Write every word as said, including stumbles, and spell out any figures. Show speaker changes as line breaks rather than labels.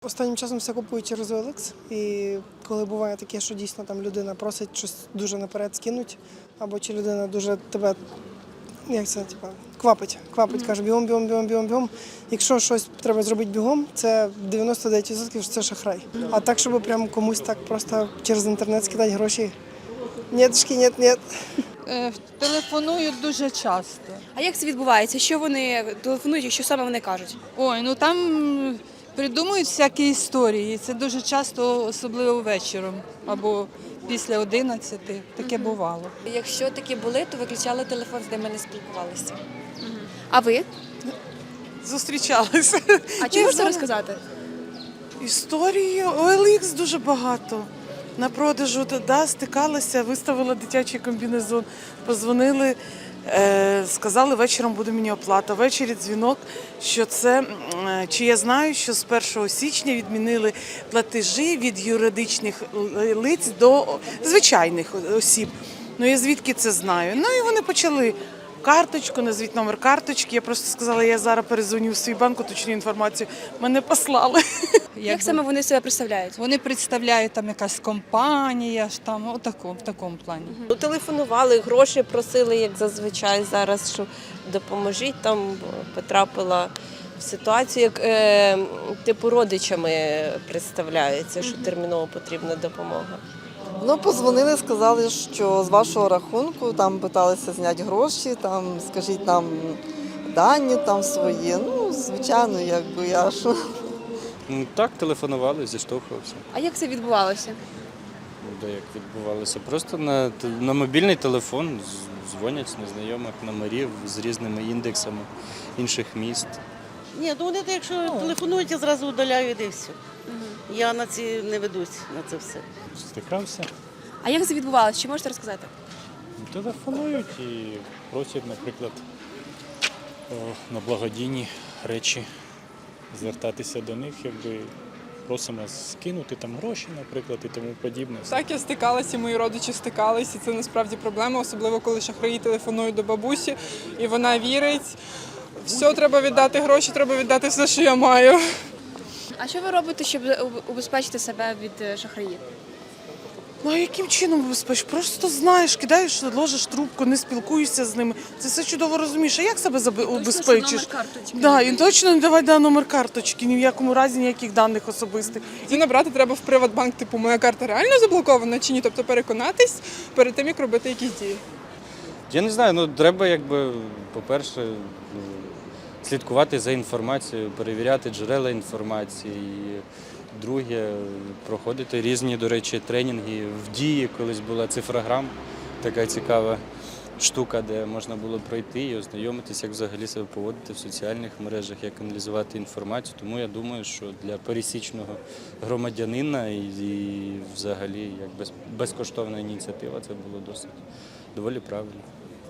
Останнім часом все купую через о ел ікс, і коли буває таке, що дійсно там людина просить щось дуже наперед скинуть, або чи людина дуже тебе, як це, типа, квапить, квапить, каже бігом, бігом, бігом, бігом, бігом. Якщо щось треба зробити бігом, це дев'яносто дев'ять відсотків що це шахрай. А так, щоб прям комусь так просто через інтернет скидати гроші, нєтшки, нет, нет.
Е, Телефонують дуже часто.
А як це відбувається? Що вони телефонують і що саме вони кажуть?
Ой, ну там придумують всякі історії. Це дуже часто, особливо вечором або після одинадцяти. Таке бувало.
Якщо такі були, то виключали телефон, з ними не спілкувалися. А ви?
Зустрічалися.
А чи можете розказати?
Історії о ел ікс дуже багато. На продажу да, стикалася, виставила дитячий комбінезон, позвонили, е, сказали, вечором буде мені оплата. Ввечері дзвінок, що це, е, чи я знаю, що з першого січня відмінили платежі від юридичних лиць до звичайних осіб. Ну я звідки це знаю? Ну і вони почали карточку, назвіть номер карточки. Я просто сказала, я зараз перезвоню в свій банк, уточню інформацію. Мене послали.
Як саме вони себе представляють?
Вони представляють там якась компанія, ж там, отако, в такому плані.
Ну, телефонували, гроші просили, як зазвичай зараз, що допоможіть, там бо потрапила в ситуацію, як е, типу родичами представляються, що терміново потрібна допомога.
Ну, позвонили, сказали, що з вашого рахунку там питалися зняти гроші, там, скажіть нам дані там свої. Ну, звичайно, якби я що.
Ну, так, телефонували, зіштовхувався.
А як це відбувалося?
Де як відбувалося? Просто на, те- на мобільний телефон з- дзвонять з незнайомих номерів з різними індексами інших міст.
Ні, ну вони, якщо телефонують, я зразу удаляю і все. Я на ці не ведусь на це все.
Стикався,
А як це відбувалося? Чи можете розказати?
телефонують і просять, наприклад, о, на благодійні речі звертатися до них, якби просимо скинути там гроші, наприклад, і тому подібне.
Так, я стикалася, і мої родичі стикалися, і це насправді проблема, особливо коли шахраї телефонують до бабусі, і вона вірить. Все, треба віддати гроші, треба віддати все, що я маю.
А що ви робите, щоб убезпечити себе від е, шахраїв?
Ну а яким чином безпечно? Просто знаєш, кидаєш, ложиш трубку, не спілкуєшся з ними. Це все чудово розумієш. А як себе заби- убезпечиш? Да, і точно не давай да, номер карточки, ні в якому разі ніяких даних особистих.
І набрати треба в Приватбанк, типу, моя карта реально заблокована чи ні, тобто переконатись перед тим, як робити якісь дії.
Я не знаю, ну треба, якби, по-перше, ну, слідкувати за інформацією, перевіряти джерела інформації. І друге, проходити різні, до речі, тренінги в дії. Колись була цифрограм, така цікава штука, де можна було пройти і ознайомитися, як взагалі себе поводити в соціальних мережах, як аналізувати інформацію. Тому я думаю, що для пересічного громадянина і, і взагалі як без, безкоштовна ініціатива це було досить доволі правильно.